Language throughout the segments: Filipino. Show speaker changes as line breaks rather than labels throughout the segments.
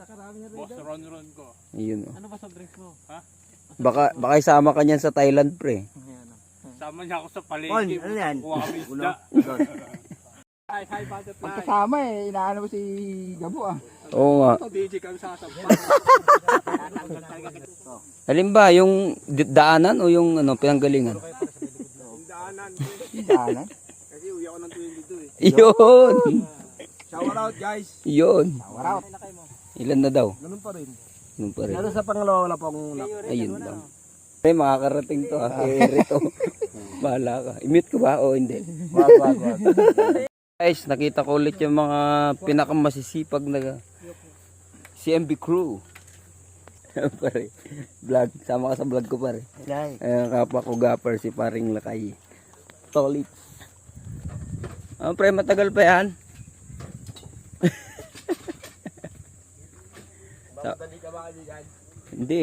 Boss Ron ko.
Ayun o.
Ano ba sa drinks mo?
Ha?
Baka isama ka niyan sa Thailand, pre.
Sama niya ako sa palengke.
Bon, ano yan?
Kuha kami isda. Hi, butterfly.
Pagkasama inaano mo si Gabo ah.
Oo nga.
Ito, DJ kami sasampal.
Alin ba, yung daanan o yung pinanggalingan?
Yung daanan.
Daanan?
Kasi uwi ako ng 22 eh.
Yun!
Shower out guys.
Yun!
Shower out.
Ilan na daw?
Ganun pa rin.
Ganun pa rin.
Pero sa pangalawa wala pong
Ayun lang. Ay, makakarating to ha. Rito. Bahala ka. I-mute ko ba o hindi?
wag.
Guys, nakita ko ulit yung mga pinakamasisipag na CMB crew. Pare, vlog. Sama ka sa vlog ko pare. Ayan, kapwa ko gapper si paring Lakay. Tolit. Pre, matagal pa yan.
Dali ka ba kaibigan?
Hindi.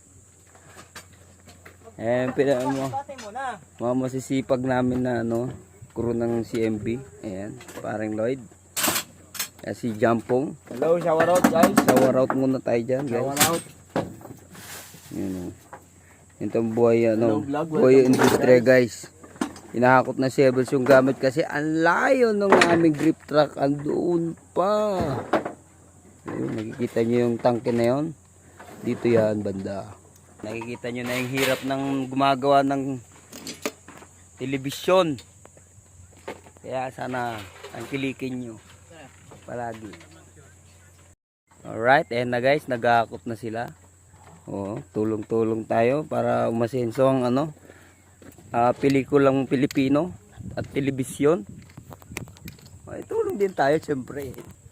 Mga masisipag namin na crew ng CMB. Ayan, paring Lloyd. Si Jampong.
Hello, shower out guys.
Shower out muna tayo dyan, guys.
Shower out.
Yun. Itong buhay,
vlog,
buhay industry, guys. Hinahakot na si Evers yung gamit kasi ang layo ng aming grip truck. Andoon pa. Ayun, nakikita nyo yung tangke na yun. Dito yan, banda. Nakikita nyo na yung hirap ng gumagawa ng telebisyon. Kaya sana tangkilikin nyo palagi. Alright, ayan na guys, nag-aakot na sila. Tulong-tulong tayo para umasenso ang pelikulang Pilipino at telebisyon. Tulong din tayo syempre.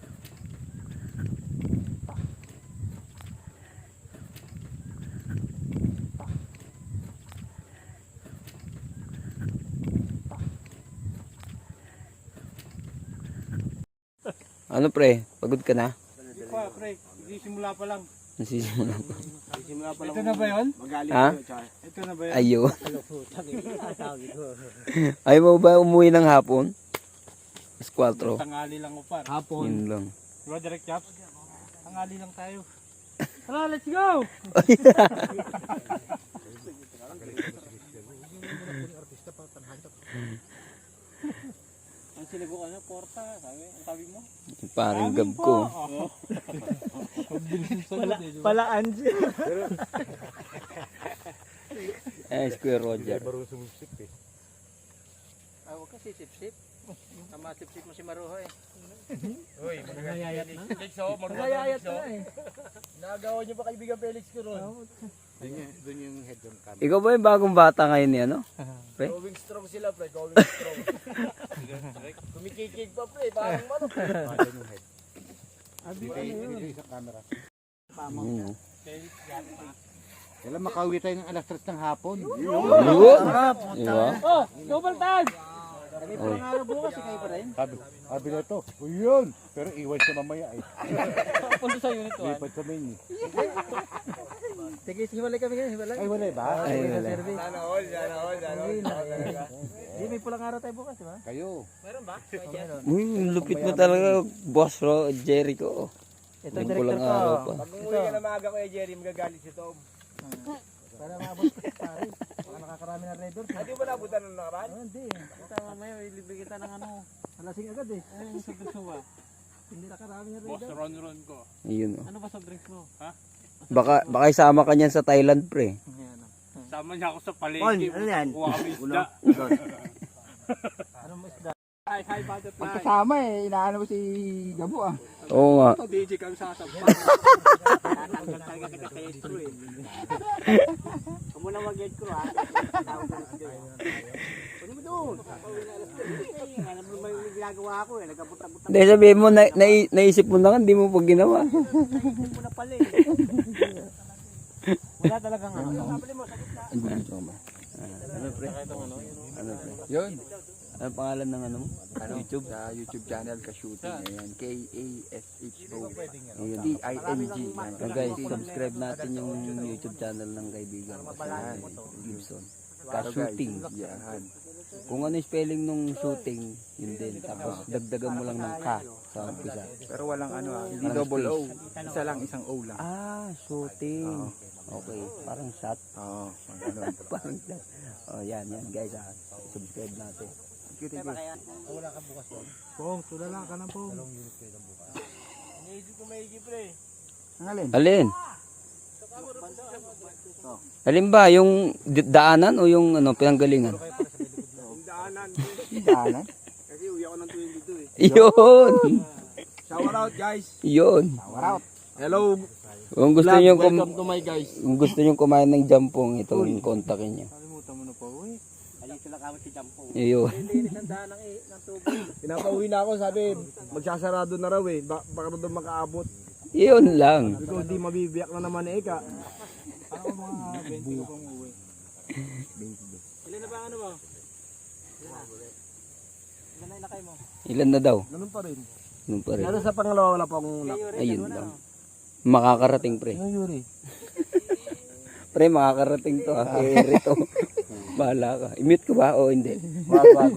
Ano pre? Pagod ka na?
Hindi pa, pre. Simula pa lang.
Nasisimula pa.
Ito na ba yun?
Ha?
Ito na ba yun?
Ayun. Ayaw mo ba umuwi ng hapon? Alas 4.
Tangali lang ko par.
Hapon.
Yun lang.
Diba, Direct Chaps? Tangali lang tayo. Tara, let's go! Ang sinigo ka na, porta. Sabi mo?
Parang gab ko.
Pala Angie.
Square Roger.
Huwag ka sisip-sip. Tama sip-sip mo si Maruho eh.
Uy, magagayat na.
Magayayat na eh. Nagawa niyo ba kaibigan Felix ko ron?
Doon yung head on cam.
Ikaw ba yung bagong bata ngayon ni Pre?
Going strong sila pre, going strong. Kumikikig pa pre, parang manok.
Doon yung head. Isang camera. Kailan makauwi tayo ng alas 3 ng hapon?
Diba?
Oh, double time!
Kami pa nga bukas, ikay pa rin.
Sabi na ito, yun! Pero iwan siya mamaya eh.
Punta sa unit 1.
Lipat sa main eh.
Sige, hiwalay kami ngayon, hiwalay.
Ay, wala ba?
Ay, wala.
Sana all. Hindi, may pulang araw tayo bukas, di ba?
Kayo.
Meron ba?
Uy, lupit mo talaga, boss Jericho.
Ito
Yung
ang
pulang
director
araw
ko.
pa.
Pag umuwi ka na maaga ko Jerry, magagalit si Tom. Para maabot ko sa pare. Baka nakakarami na red doors. Hindi ba nabutan ng nakaraan? Hindi.
Kita mamaya, ilibre kita ng
Alasing agad eh.
Ano sa drinks mo ba?
Hindi nakarami na red
Boss
doors.
Ron ko.
Ayun
Ano ba sa drinks mo?
Baka isama ka niyan sa Thailand, pre.
Sama niya ako sa palengke.
Ano yan?
Kuha kami isda.
Ano mo isda?
Hi, butterfly.
Pagkasama inaano mo si Gabo ah.
Oo nga.
Ito, DJ kami sasampal. Talaga kita kay Estro eh.
Huwag mo na mag-get ko ha.
Ano mo doon?
Ano ba yung ginagawa ko eh? Nagkabuta-buta
Hindi, sabihin mo, naisip mo na nga, hindi mo pa ginawa.
mo na pala eh. Wala talagang ano.
Ano, pre? Ano, pre?
Yun.
Ano pangalan ng mo? YouTube?
Sa YouTube channel ka-shooting. Ayan. K-A-S-H-O.
Ayun.
D-I-N-G.
So guys, subscribe natin yung YouTube channel ng kaibigan ko. Gibson. Ka-shooting.
Yan.
Kung ano yung spelling nung shooting, yun din. Tapos dagdagan mo lang ng ka sa umpisa.
Pero walang ano hindi
Walang
double O.
space.
Isa lang, isang O lang.
Shooting. Okay, parang shot.
Oo, ganun.
Parang shot. Oh, yan guys. Subscribe natin.
Thank you.
Pong, tulala ka na pong.
Ang alin?
Alin? Alin ba? Yung daanan o yung pinanggalingan?
Daanan?
Kasi uwi ako ng 22 eh.
Yun!
Shout out guys.
Yun!
Shout out. Hello.
Kung gusto niyo
Welcome to my guys.
kung gusto niyo kumain ng jampong, ito yung kontakin niyo.
Kalimutan mo na po. Uy.
Alito lang kami si Jampo.
Yun.
Linis ang daan ng tubig.
Pinapauwi na ako, sabi, magsasarado na raw eh. Baka na doon makaabot.
Yun lang.
Because di mabibiyak na naman eh ka.
Parang mga 20 ko pang uwi. Ilan na ba ang ano mo? Ilan na ilakay mo?
Ilan na daw?
Ganun pa rin.
Yun pa rin.
Pero sa pangalawa wala pa akong
Ayun lang. Makakarating pre.
Yuri.
Pre, makakarating to ha. Rito. Bahala ka. I-mute ko ba o hindi?
Wag.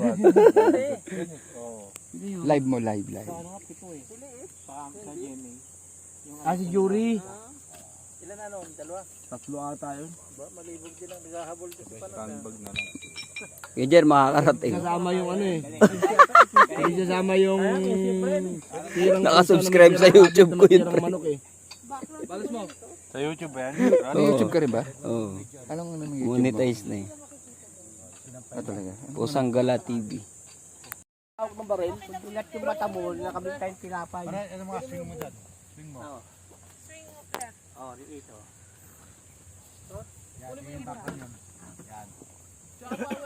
Live mo, live.
Sa ano nga, pito eh. Sa GMA.
Si Yuri.
Ilan ano? Dalawa?
Tatlo ata yun.
Ba, malibog din ang naghahabol kasi pa na.
Kaya Jer, makakarating.
Kasama yung ano eh. Hindi kasama yung tirang
Nakasubscribe sa YouTube ko yun, pre.
manok eh.
Balas mo.
Sa YouTube ba yan?
Ano YouTube ka rin ba?
Oo.
Anong ano ng
Monetize na eh.
talaga?
Pusang Gala TV.
Tawag ng baril, pag pilat yung mata mo, nakamit tayong tinapay.
Ano mga swing mo dyan? Swing mo.
Oo. Oh, dito.
Yan, yung bakal yan.